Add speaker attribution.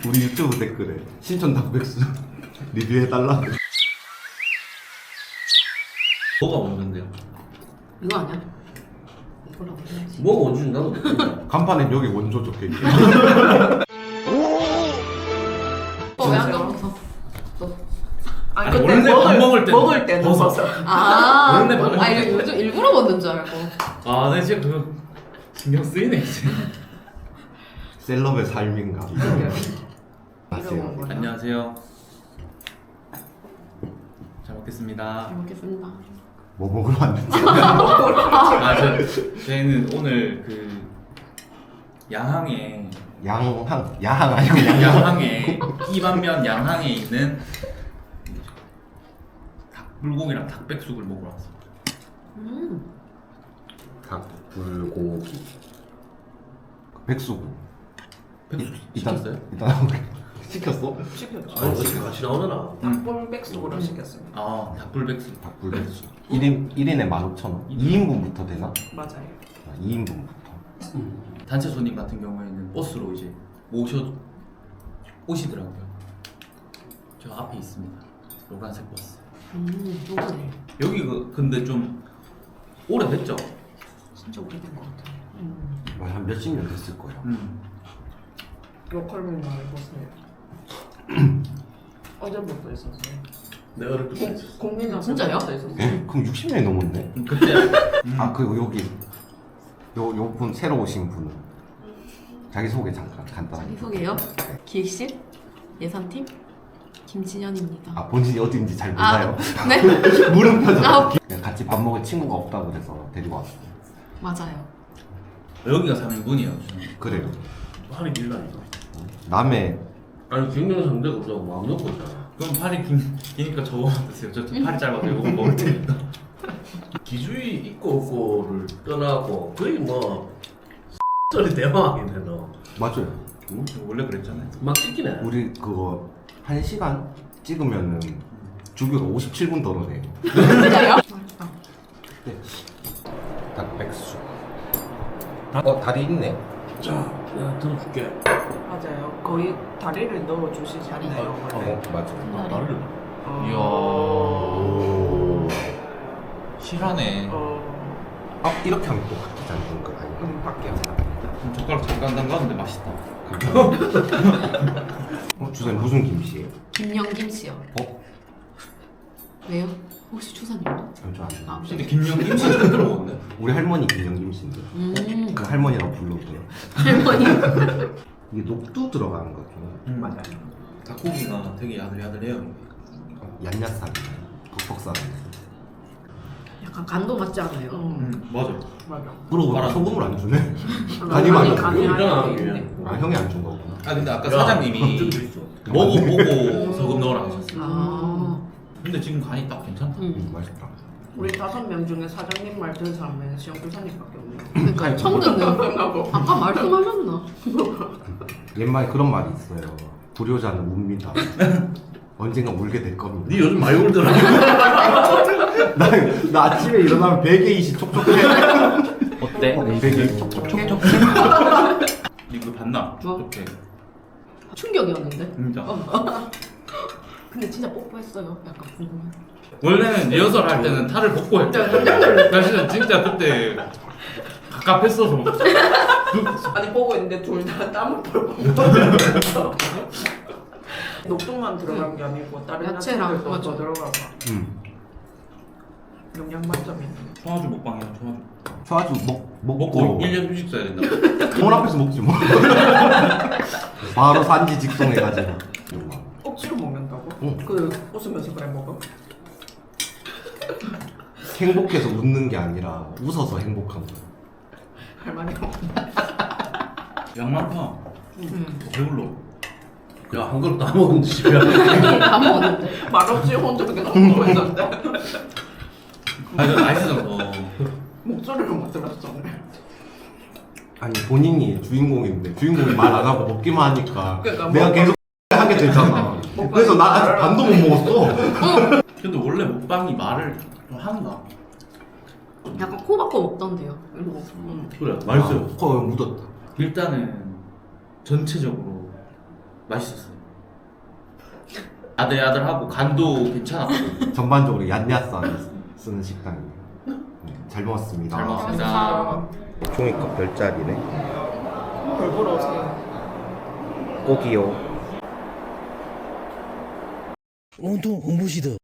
Speaker 1: 우리 유튜브 댓글에 신촌 닭백수 리뷰해달라.
Speaker 2: 뭐가 먼저인데요?
Speaker 3: 이거 아니야? 이거라고 해야지.
Speaker 2: 뭐가 먼저인지 나도 모르겠어.
Speaker 1: 간판엔 여기 원조 적혀있대.
Speaker 3: 왜안 먹었어?
Speaker 2: 아니, 원래 밥 먹을 때
Speaker 4: 먹을 때는
Speaker 2: 벗었어.
Speaker 3: 아,
Speaker 2: 원래 먹을
Speaker 3: 아
Speaker 2: 때.
Speaker 3: 이거 요즘 일부러 먹는 줄 알고.
Speaker 2: 아, 네 진짜 그거 신경 쓰이네 이제.
Speaker 1: 셀럽의 삶인가. 안녕하세요.
Speaker 4: 뭐야?
Speaker 2: 안녕하세요. 잘 먹겠습니다.
Speaker 3: 잘 먹겠습니다.
Speaker 1: 뭐 먹으러 왔는지.
Speaker 2: 저희는 오늘 그 양항에
Speaker 1: 야항 아니고 양양.
Speaker 2: 양항에 이반면 양항에 있는 닭불고기랑 닭백숙을 먹으러 왔습니다.
Speaker 1: 닭불고기. 백수고.
Speaker 2: 백숙 시켰어요?
Speaker 1: 일단 시켰어?
Speaker 4: 시켰죠.
Speaker 5: 아니 어떻게 같이 나오잖아.
Speaker 4: 닭볼백숙으로 시켰습니다.
Speaker 2: 아, 닭불백숙.
Speaker 1: 닭불백수. 1인에 15,000원. 2인분부터 되나?
Speaker 4: 맞아요.
Speaker 1: 2인분부터.
Speaker 2: 단체 손님 같은 경우에는 버스로 이제 오시더라고요. 저 앞에 있습니다. 노란색 버스.
Speaker 3: 요거네.
Speaker 2: 여기 근데 좀 오래됐죠?
Speaker 3: 진짜 오래된 것 같아.
Speaker 1: 한 몇십 년 됐을 거야.
Speaker 4: 로컬맨 말 해보세요. 어제부터 있었어요.
Speaker 5: 내가 어릴 때 있었어.
Speaker 4: 국민학교
Speaker 3: 진짜요?
Speaker 4: 때부터 있었어요.
Speaker 1: 에? 그럼 60년이 넘었네?
Speaker 2: 그때
Speaker 1: 아 그리고 여기 요 분 새로 오신 분은 자기소개 잠깐 간단하게.
Speaker 3: 자기소개요? 기획실 예산팀 김진현입니다.
Speaker 1: 아 본인이 어딘지 잘 몰라요.
Speaker 3: 네?
Speaker 1: 물음표죠.
Speaker 3: 아,
Speaker 1: 그냥 같이 밥 먹을 친구가 없다고 그래서 데리고 왔어요.
Speaker 3: 맞아요.
Speaker 2: 여기가 3인분이에요.
Speaker 1: 그래요.
Speaker 5: 팔이 길다니까.
Speaker 1: 남의
Speaker 5: 아니 경영 상대가 없다고 마음 놓고 있잖아.
Speaker 2: 그럼 팔이 기니까 저거 드세요. 저 팔이 짧아서 이거 먹을 테니까.
Speaker 5: 기주의 있고 없고를 떠나고 거의 뭐 소리 대박이네 너.
Speaker 1: 맞아요.
Speaker 5: 응?
Speaker 2: 원래 그랬잖아요.
Speaker 5: 막 찍히네.
Speaker 1: 우리 그거 1시간 찍으면은 주교가 57분 덜어내.
Speaker 3: 진짜요? 맛있다.
Speaker 1: 닭백수. 다리 있네.
Speaker 5: 자, 내가 들어줄게.
Speaker 4: 맞아요. 거의 다리를 넣어 주시지 않나요?
Speaker 1: 맞아.
Speaker 2: 나를.
Speaker 1: 오.
Speaker 2: 실하네.
Speaker 1: 아 이렇게 하면 또 바뀌지 않는 거 아니야?
Speaker 4: 밖에
Speaker 2: 젓가락 잠깐 담갔는데 맛있다.
Speaker 1: 주사님 무슨 김씨예요?
Speaker 3: 김영김씨요.
Speaker 1: 어?
Speaker 3: 왜요? 혹시 추사님도?
Speaker 1: 전안 돼.
Speaker 3: 아,
Speaker 2: 근데 김영김 씨 처음 들어보는데?
Speaker 1: 우리 할머니 김영김씨인데 그 할머니라고 불러줘요.
Speaker 3: 할머니.
Speaker 1: 이게 녹두 들어가는 거죠.
Speaker 4: 맞아요.
Speaker 2: 닭고기가 되게 야들야들해요.
Speaker 1: 얀야쌈, 북퍽쌈.
Speaker 3: 약간 간도 맞지 않아요?
Speaker 2: 맞아.
Speaker 4: 맞아.
Speaker 1: 그러고
Speaker 2: 바람.
Speaker 1: 소금을 안 주네.
Speaker 4: 간이
Speaker 1: 많이
Speaker 4: 간이
Speaker 5: 있잖아,
Speaker 4: 하나
Speaker 5: 이게.
Speaker 4: 있는데.
Speaker 1: 아 형이 안 준 거구나.
Speaker 2: 아 근데 아까
Speaker 5: 야,
Speaker 2: 사장님이
Speaker 5: 걱정도 있어.
Speaker 2: 먹어보고 소금 넣으라 하셨어요.
Speaker 3: 아.
Speaker 2: 근데 지금 간이 딱 괜찮다.
Speaker 1: 맛있다.
Speaker 4: 우리 5명 중에 사장님 말 들은 사람은 시영교사님밖에 없네요.
Speaker 3: 그러니까 처음 듣는. 아까 말씀하셨나?
Speaker 1: 옛말에 그런 말이 있어요. 불효자는 웁니다. 언젠가 울게 될 겁니다.
Speaker 5: 네 요즘 많이 울더라.
Speaker 1: 나 아침에 일어나면 베개 이시 촉촉해.
Speaker 2: 어때?
Speaker 1: 베개 촉촉촉촉.
Speaker 2: 이거 봤나?
Speaker 3: 뭐?
Speaker 2: 어떻게?
Speaker 3: 충격이었는데?
Speaker 2: 진짜.
Speaker 3: 근데 진짜 뽀뽀했어요. 약간 궁금해.
Speaker 2: 원래는 리허설 할 때는 탈을 벗고 했죠. 나 진짜 그때 갑갑했어서.
Speaker 4: 아니 보고 있는데 둘 다 땀을 뻘뻘 녹두만 들어간 게 아니고 다른
Speaker 3: 야채랑,
Speaker 4: 야채들도
Speaker 3: 맞아.
Speaker 4: 더 들어가고 영양 만점이네.
Speaker 2: 청아주 먹방이야, 청아주.
Speaker 1: 소아주
Speaker 2: 먹고
Speaker 1: 먹고
Speaker 2: 1년 휴식 써야 된다.
Speaker 1: 돈 앞에서 먹지 뭐. 바로 산지 직송해가지고.
Speaker 4: 억지로 먹는다고?
Speaker 1: 응.
Speaker 4: 그 웃으면서 그래 먹어?
Speaker 1: 행복해서 웃는 게 아니라 웃어서 행복한 거.
Speaker 4: 할머니가
Speaker 2: 양 많다. 배불러.
Speaker 5: 야 한 그릇 다 먹었는데 집에.
Speaker 3: 다 먹었는데.
Speaker 4: 말없이 혼자 그렇게 먹고 있는데
Speaker 2: 아 이거 맛있어서.
Speaker 4: 목소리로만 들었어 오늘.
Speaker 1: 아니 본인이 주인공인데 주인공이 말 안 하고 먹기만 하니까
Speaker 4: 그러니까
Speaker 1: 내가 계속 하게 되잖아. 그래서 나 아직 반도 못 먹었어.
Speaker 2: 근데 원래 먹방이 말을 좀 하는가?
Speaker 3: 약간 코 박고 먹던데요. 이러고.
Speaker 5: 그래 맛있어요.
Speaker 1: 코에 묻었다.
Speaker 2: 일단은 전체적으로 맛있었어요. 야들야들하고 간도 괜찮았고.
Speaker 1: 전반적으로 얀야산 쓰는 식당이에요. 잘 먹었습니다.
Speaker 2: 잘 먹었습니다.
Speaker 1: 종이컵 별자리네.
Speaker 4: 별 보러 오세요.
Speaker 1: 꼭이요.
Speaker 5: 온통 홍보시다.